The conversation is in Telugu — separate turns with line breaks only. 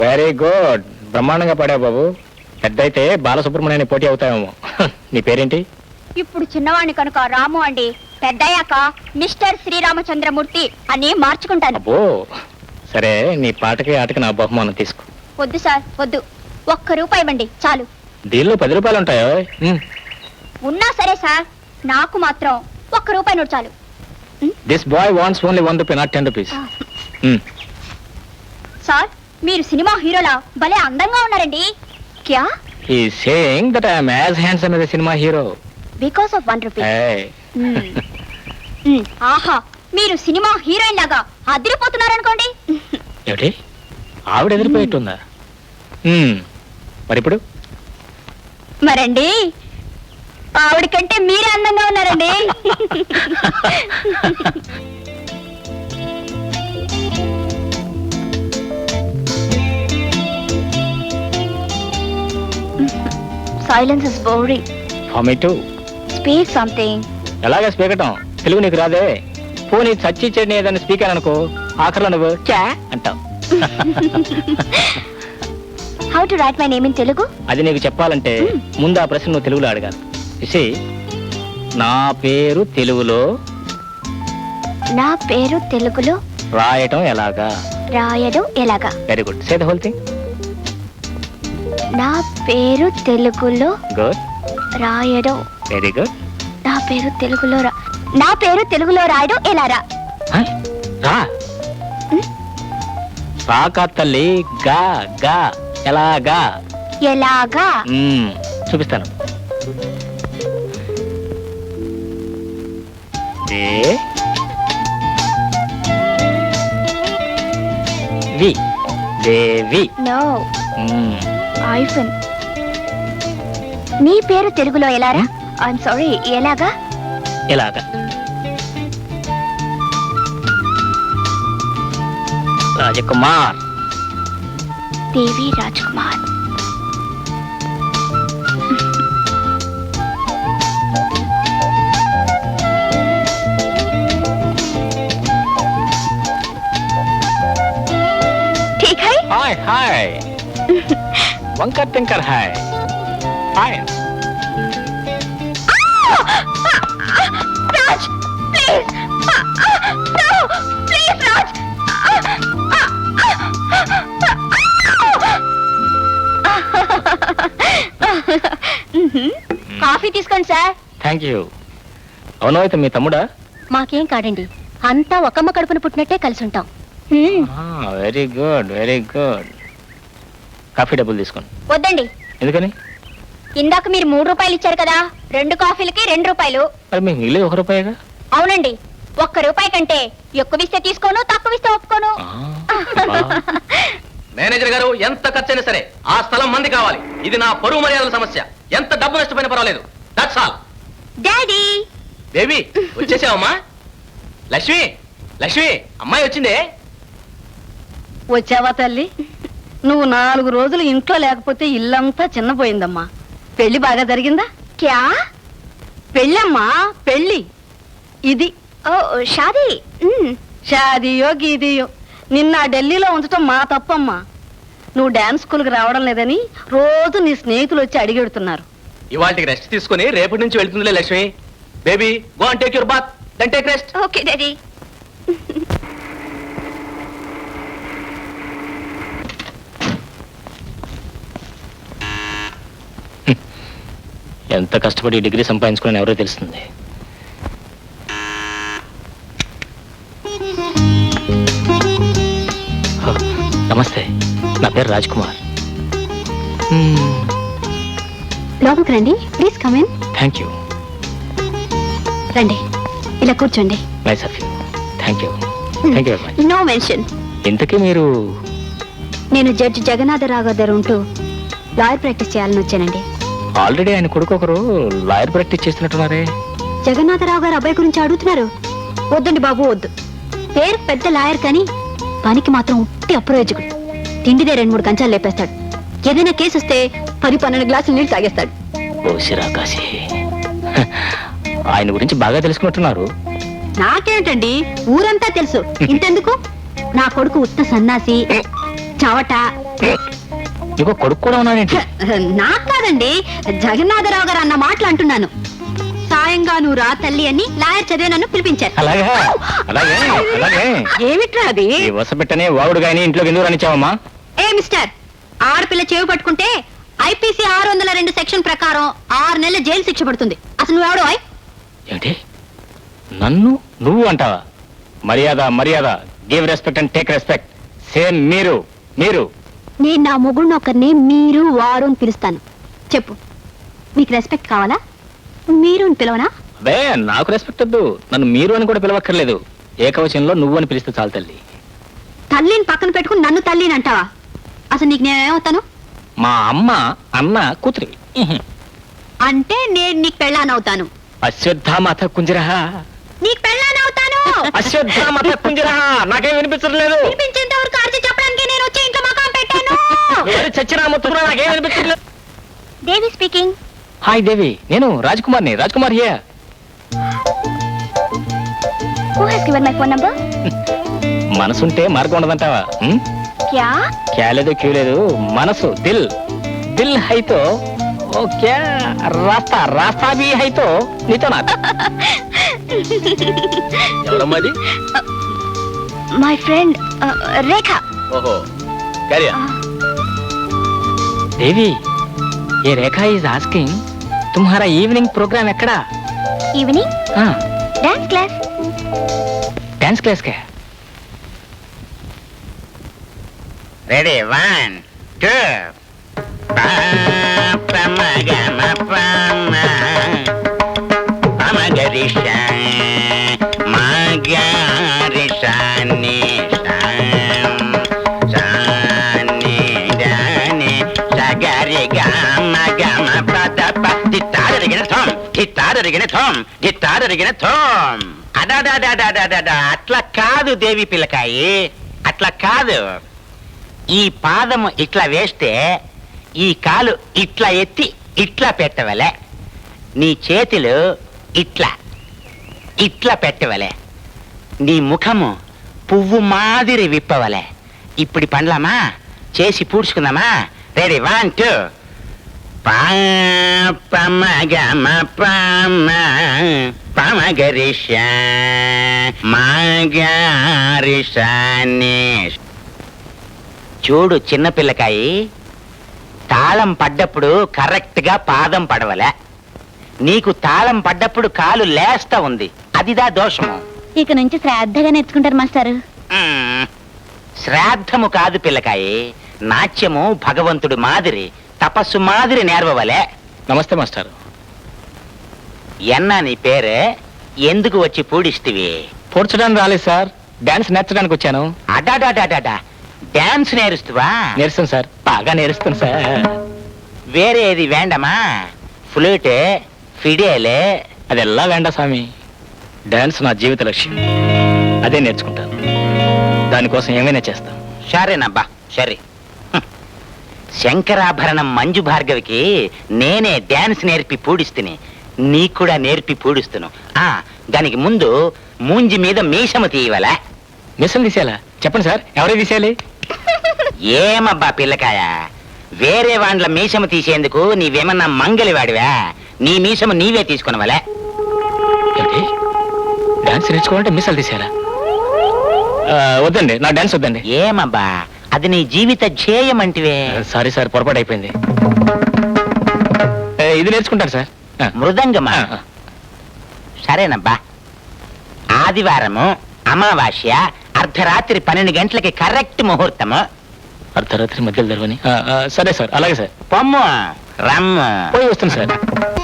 వెరీ గుడ్, బ్రహ్మాండంగా పాడావు బాబు. పెద్ద అయితే బాలసుబ్రహ్మణ్యాన్ని పోటీ అవుతాయేమో. నీ పేరేంటి?
ఇప్పుడు చిన్నవాణ్ణి కనుక రాము అండి, పెద్దయ్యాక మిస్టర్ శ్రీరామచంద్రమూర్తి అని మార్చుకుంటాను.
అబ్బో, సరే నీ పాటకి ఆటకి నా బహుమానం తీసుకో.
వద్దు సార్ వద్దు, ₹1 ఇవ్వండి చాలు.
దీనిలో 10 రూపాయలు ఉంటాయో?
ఉన్నా సరే సార్, నాకు మాత్రం ₹1 నోటు చాలు.
This boy wants only 1 rupee, not 10 rupees.
Sir, మీరు సినిమా హీరోలా భలే అందంగా ఉన్నారండి. క్యా?
He is saying that I am as handsome as a cinema hero
because of 1 rupee.
Hey.
ఆహా, మీరు సినిమా హీరోయిన్ లాగా అదిరిపోతున్నారనుకోండి.
ఏమిటి, ఆవిడ ఎదిరిపోయేట్టుందా? మరి ఇప్పుడు
మరండి, ఆవిడ కంటే మీరే అందంగా ఉన్నారండి. Silence is boring.
For me too.
Speak something.
ఎలాగే స్పీకటం, తెలుగు నీకు రాదే? పోనీ చచ్చి చెడిని ఏదైనా స్పీకర్ అనుకో, ఆఖరిలో నువ్వు చా అంటావు.
How to write my name in Telugu?
అది నీకు చెప్పాలంటే ముందు ఆ ప్రశ్న నువ్వు తెలుగులో అడగాలి. ఇసి, నా పేరు తెలుగులో
నా పేరు తెలుగులో
రాయటం ఎలాగా?
రాయడం ఎలాగా?
Very good, say the whole thing.
నా పేరు తెలుగులో
గుడ్,
రాయడం.
Very good.
నా పేరు తెలుగులో నా పేరు తెలుగులో రాయడం ఎలా? రా
రా రాకా తల్లి, గా గా ఎలాగా?
ఎలాగా?
చూపిస్తాను. వి దేవి.
No, iPhone. నీ పేరు తెలుగులో ఎలా? రా ఐఎమ్ సారీ, ఎలాగా?
ఎలాగా? రాజకుమార్.
దేవి రాజ్కుమార్. ठीक है?
हाय हाय. वंकर टिंकर है. Hi.
Raj, please. No, please, Raj. Coffee తీసుకోండి సార్.
Thank you. అవును, అయితే మీ తమ్ముడా?
మాకేం కాదండి, అంతా ఒకమ్మ కడుపున పుట్టినట్టే కలిసి ఉంటాం.
Very good, very good. Coffee డబ్బులు తీసుకోండి.
వద్దండి.
ఎందుకని?
ఇందాక మీరు ₹3 ఇచ్చారు కదా, 2 కాఫీలకి ₹2.
మరి మీకు మిగిలేదు ₹1.
అవునండి, ₹1 కంటే ఎక్కువిస్తే తీసుకోను, తక్కువిస్తే ఒప్పుకోను.
మేనేజర్ గారు, ఎంత ఖర్చైనా సరే ఆ స్థలం మంది కావాలి. ఇది నా పరువు మర్యాదల సమస్య. ఎంత డబ్బు నష్టపోయినా పర్వాలేదు. That's all.
డాడీ.
బేబీ, వచ్చేసావమ్మా? లక్ష్మి, లక్ష్మి, అమ్మాయి వచ్చిందే.
వచ్చావా తల్లి? నువ్వు 4 రోజులు ఇంట్లో లేకపోతే ఇల్లంతా చిన్నపోయిందమ్మా. పెళ్లి బాగా జరిగిందా?
క్యా?
పెళ్ళమ్మా, పెళ్లి. ఇది
ఓ షాదీ.
షాదీయో గీదీయో నిన్న ఢిల్లీలో ఉంచటం మా తప్పమ్మా. నువ్వు డాన్స్ స్కూల్కి రావడం లేదని రోజు నీ స్నేహితులు వచ్చి అడిగెడుతున్నారు.
ఇవాళకి రెస్ట్ తీసుకుని రేపటి నుంచి వెళ్తుందిలే Lakshmi. Baby, go and take your bath, then take rest.
Okay daddy.
ఎంత కష్టపడి డిగ్రీ సంపాదించుకుని ఎవరో తెలుస్తుంది. నమస్తే, నా పేరు రాజ్ కుమార్.
లోపలికి రండి, please come in.
Thank you.
రండి, ఇలా కూర్చోండి.
Nice of you. Thank you. Thank you very much.
No mention.
ఇంతకీ మీరు?
నేను జడ్జి జగన్నాథరావు గారి దగ్గర ఉంటూ లాయర్ ప్రాక్టీస్ చేయాలని వచ్చానండి.
ఆల్రెడీ ఆయన కొడుకు ఒకరు లాయర్ ప్రాక్టీస్ చేస్తున్నట్టున్నారే.
జగన్నాథరావు గారు అబ్బాయి గురించి అడుగుతున్నారు. వద్దండి బాబు, వద్దు. పేరు పెద్ద లాయర్ కానీ పనికి మాత్రం ఉట్టి అప్రయోజకుడు. తిండిదే 2-3 కంచాలు లేపేస్తాడు. ఏదైనా కేసు వస్తే 10-12 గ్లాసులు నీళ్ళు తాగేస్తాడు.
ఓ శిరాకాశి, ఆయన గురించి బాగా తెలుసుకున్నట్టున్నారు.
నాకేంటండి, ఊరంతా తెలుసు. ఇంతెందుకు, నా కొడుకు ఉత్త సన్నాసి, చవట.
నీకు కొడుకు కూడా ఉన్నాడేంటి?
నాకు కాదండి, జగన్నాథరావు గారు అన్న మాటలు అంటున్నాను. సాయంగా నువ్వు రా తల్లి అని లాయర్ చదివే నన్ను పిలిపించారు.
అలాగే అలాగే అలాగే.
ఏమిట్రా అది?
ఈ వసపెట్టనే వాగుడు గాని ఇంట్లోకి ఎందుకు రానిచ్చావమ్మా?
ఏ మిస్టర్, ఆడపిల్ల చెవి పట్టుకుంటే ఐపీసీ 602 సెక్షన్ ప్రకారం 6 నెలల జైలు శిక్ష పడుతుంది. అసలు నువ్వెవడో?
ఏమిటి నన్ను నువ్వు అంటావా? మర్యాద మర్యాద. Give respect and take respect. Same మీరు మీరు.
నేను నా మొగుడిని ఒకరిని మీరు వారు అని పిలుస్తాను. చెప్పు, మీకు రెస్పెక్ట్ కావాలా? మీరు అని పిలవనా?
అదే నాకు రెస్పెక్ట్ వద్దు. నన్ను మీరు అని కూడా పిలవక్కర్లేదు. ఏకవచనంలో నువ్వు అని పిలిస్తే చాలు తల్లి.
తల్లిని పక్కన పెట్టుకుని నన్ను తల్లిని అంటావా? అసలు నీకు నేనేమవుతాను?
మా అమ్మ అన్న కూతురివి.
అంటే నేను నీకు పెళ్ళానవుతాను.
అశ్వత్థామత కుంజరహ.
నీకు పెళ్ళానవుతాను.
అశ్వత్థామత కుంజరహ. నాకేం వినిపించట్లేదు.
వినిపించేంత వరకు అరిచి చెప్పడానికి నేను వచ్చి ఇంట్లో మకాం పెట్టాను.
చచ్చిన మొత్తం నాకేం వినిపించట్లేదు.
దేవి స్పీకింగ్.
హాయ్ దేవి, నేను రాజ్ కుమార్ని. Raj Kumar here.
Who has given my phone number?
మనసుంటే మార్గం ఉండదంటావా?
क्या?
క్యా లేదు క్యూ లేదు, మనసు దిల్. దిల్ హైతో ఓ క్యా రాస్తా రాస్తా భీ హైతో నీతో నా. ఎవరమ్మది?
My friend Rekha.
ఓహో క్యారియా. దేవి, ये रेखा इज आस्किंग तुम्हारा इवनिंग प्रोग्राम ఎక్కడా?
Evening?
हाँ,
Dance class.
डांस क्लास का.
రెడీ 1 2 అట్లా కాదు దేవి పిల్లకాయి, అట్లా కాదు. ఈ పాదము ఇట్లా వేస్తే ఈ కాలు ఇట్లా ఎత్తి ఇట్లా పెట్టవలే. నీ చేతులు ఇట్లా ఇట్లా పెట్టవలే. నీ ముఖము పువ్వు మాదిరి విప్పవలే. ఇప్పుడు పండ్లమా చేసి పూడ్చుకుందామా? రెడీ 1 2 పమగమ పమ పమగరిష మగరిషాని. చూడు చిన్నపిల్లకాయి, తాళం పడ్డప్పుడు కరెక్ట్ గా పాదం పడవలే. నీకు తాళం పడ్డప్పుడు కాలు లేస్తా ఉంది, అదిదా దోషము.
ఇక నుంచి శ్రద్ధగా నేర్చుకుంటారు మాస్టారు.
శ్రాద్ధము కాదు పిల్లకాయి, నాట్యము భగవంతుడు మాదిరి తపస్సు మాదిరి నేర్వవలే.
నమస్తే మాస్టర్.
ఎన్నా నీ పేరే? ఎందుకు వచ్చి పూడిస్తివి?
పూడ్చడానికి రాలేదు సార్, డాన్స్ నేర్చడానికి వచ్చాను.
అడాడాడాడా, డాన్స్ నేరుస్తువా?
నేర్స్తాను సార్, బాగా నేర్స్తాను సార్.
వేరే ఏది వేండమా? ఫ్లూట్, ఫిడేలే?
అదెల్లా వేండా స్వామి. డాన్స్ నా జీవిత లక్ష్యం, అదే నేర్చుకుంటాను. దానికోసం ఏమైనా చేస్తాను.
సరేనబ్బా సరే. శంకరాభరణం మంజు భార్గవికి నేనే డాన్స్ నేర్పి పూడిస్తుని, నీకు కూడా నేర్పి పూడిస్తును. దానికి ముందు మూంజి మీద మీసము తీయవలా.
మిషన్ తీసేయాలా? చెప్పండి సార్, ఎవరే తీసేయాలి?
ఏమబ్బా పిల్లకాయ, వేరే వాండ్ల మీసము తీసేందుకు నీవేమన్నా మంగలివాడివా? నీ మీసము నీవే తీసుకునవలే.
ఏమిటి, డాన్స్ నేర్చుకోవాలంటే మిసాలు తీసేయాలా? వద్దండి, నా డాన్స్ వద్దండి.
ఏమబ్బా, అది నీ జీవిత ధ్యేయం అంటివే.
సారీ సార్, పొరపాటు అయిపోయింది. ఇది నేర్చుకుంటాను సార్.
మృదంగమా? సరేనబ్బా. ఆదివారము అమావాస్య అర్ధరాత్రి 12 గంటలకి కరెక్ట్ ముహూర్తము.
అర్ధరాత్రి మధ్యలో జరగని? సరే సార్, అలాగే సార్.
పొమ్ము రమ్ము.
పోయి వస్తాను సార్.